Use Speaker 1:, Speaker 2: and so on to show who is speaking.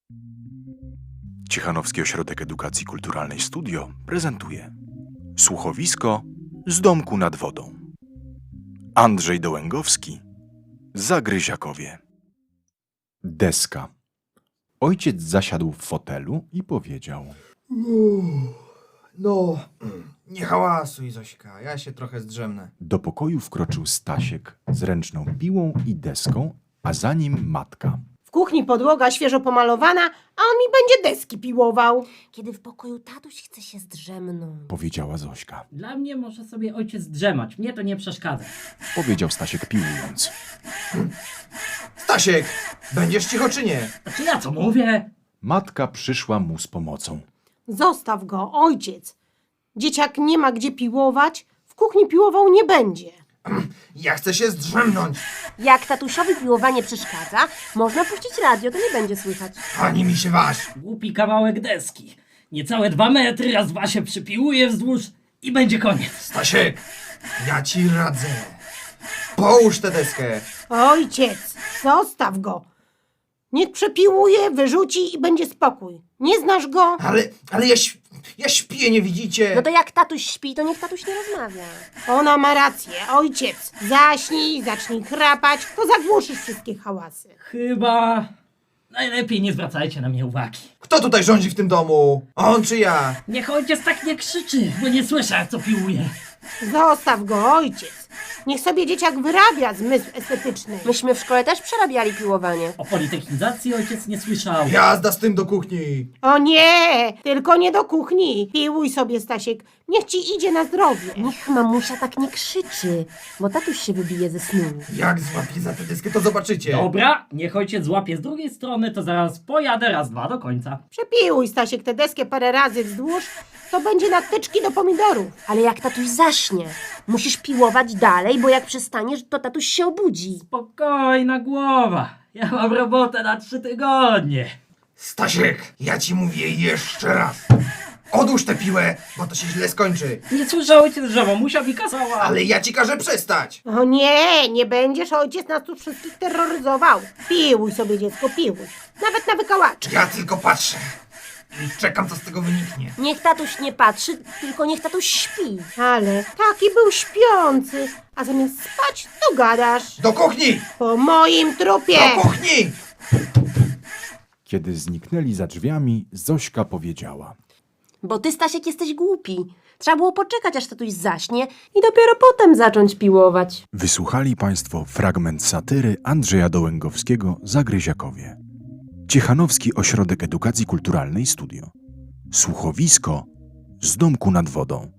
Speaker 1: Ciechanowski Ośrodek Edukacji Kulturalnej Studio prezentuje słuchowisko z domku nad wodą. Andrzej Dołęgowski, Zagryziakowie. Deska. Ojciec zasiadł w fotelu i powiedział:
Speaker 2: No, nie hałasuj, Zośka, ja się trochę zdrzemnę.
Speaker 1: Do pokoju wkroczył Stasiek z ręczną piłą i deską, a za nim matka.
Speaker 3: W kuchni podłoga świeżo pomalowana, a on mi będzie deski piłował.
Speaker 4: Kiedy w pokoju tatuś chce się zdrzemnąć.
Speaker 1: Powiedziała Zośka.
Speaker 5: Dla mnie może sobie ojciec drzemać, mnie to nie przeszkadza.
Speaker 1: Powiedział Stasiek piłując.
Speaker 2: Stasiek, będziesz cicho czy nie?
Speaker 5: A czy ja co mówię?
Speaker 1: Matka przyszła mu z pomocą.
Speaker 3: Zostaw go, ojciec. Dzieciak nie ma gdzie piłować, w kuchni piłował nie będzie.
Speaker 2: Ja chcę się zdrzemnąć,
Speaker 4: Jak tatusiowi piłowanie przeszkadza, można puścić radio, to nie będzie słychać.
Speaker 2: ani mi się waż.
Speaker 5: Głupi kawałek deski. Niecałe 2 metry, raz 2 się przypiłuje wzdłuż i będzie koniec.
Speaker 2: Stasiek, ja ci radzę. Połóż tę deskę.
Speaker 3: Ojciec, zostaw go. Niech przepiłuje, wyrzuci i będzie spokój. Nie znasz go?
Speaker 2: Ale ja śpię, nie widzicie?
Speaker 4: No to jak tatuś śpi, to niech tatuś nie rozmawia.
Speaker 3: Ona ma rację, ojciec. Zaśnij, zacznij chrapać, to zagłuszysz wszystkie hałasy.
Speaker 5: Chyba najlepiej nie zwracajcie na mnie uwagi.
Speaker 2: Kto tutaj rządzi w tym domu? On czy ja?
Speaker 5: Niech ojciec tak nie krzyczy, bo nie słyszę, jak co piłuje.
Speaker 3: Zostaw go, ojciec. Niech sobie dzieciak wyrabia zmysł estetyczny.
Speaker 4: Myśmy w szkole też przerabiali piłowanie.
Speaker 5: O politechnizacji ojciec nie słyszał.
Speaker 2: Jazda z tym do kuchni.
Speaker 3: O nie, tylko nie do kuchni. Piłuj sobie, Stasiek. Niech ci idzie na zdrowie.
Speaker 4: Niech mamusia tak nie krzyczy, bo tatuś się wybije ze snu.
Speaker 2: Jak złapię za tę deskę, to zobaczycie.
Speaker 5: Dobra, niech ojciec złapie z drugiej strony, to zaraz pojadę raz, 2 do końca.
Speaker 3: Przepiłuj, Stasiek, tę deskę parę razy wzdłuż, to będzie na tyczki do pomidorów.
Speaker 4: Ale jak tatuś zaśnie, musisz piłować dalej, bo jak przestaniesz, to tatuś się obudzi.
Speaker 5: Spokojna głowa, ja mam robotę na 3 tygodnie.
Speaker 2: Stasiek, ja ci mówię jeszcze raz. Odłóż tę piłę, bo to się źle skończy.
Speaker 5: Nie słyszę ojciec, że mamusia mi kazała.
Speaker 2: Ale ja ci każę przestać.
Speaker 3: O nie, nie będziesz, ojciec nas tu wszystkich terroryzował. Piłuj sobie, dziecko, piłuj. Nawet na wykałacze.
Speaker 2: Ja tylko patrzę i czekam, co z tego wyniknie.
Speaker 4: Niech tatuś nie patrzy, tylko niech tatuś śpi.
Speaker 3: Ale taki był śpiący, a zamiast spać, to gadasz.
Speaker 2: Do kuchni!
Speaker 3: Po moim trupie.
Speaker 2: Do kuchni!
Speaker 1: Kiedy zniknęli za drzwiami, Zośka powiedziała:
Speaker 4: Bo ty, Stasiek, jesteś głupi. Trzeba było poczekać, aż tatuś zaśnie i dopiero potem zacząć piłować.
Speaker 1: Wysłuchali Państwo fragment satyry Andrzeja Dołęgowskiego Zagryziakowie. Ciechanowski Ośrodek Edukacji Kulturalnej Studio. Słuchowisko z domku nad wodą.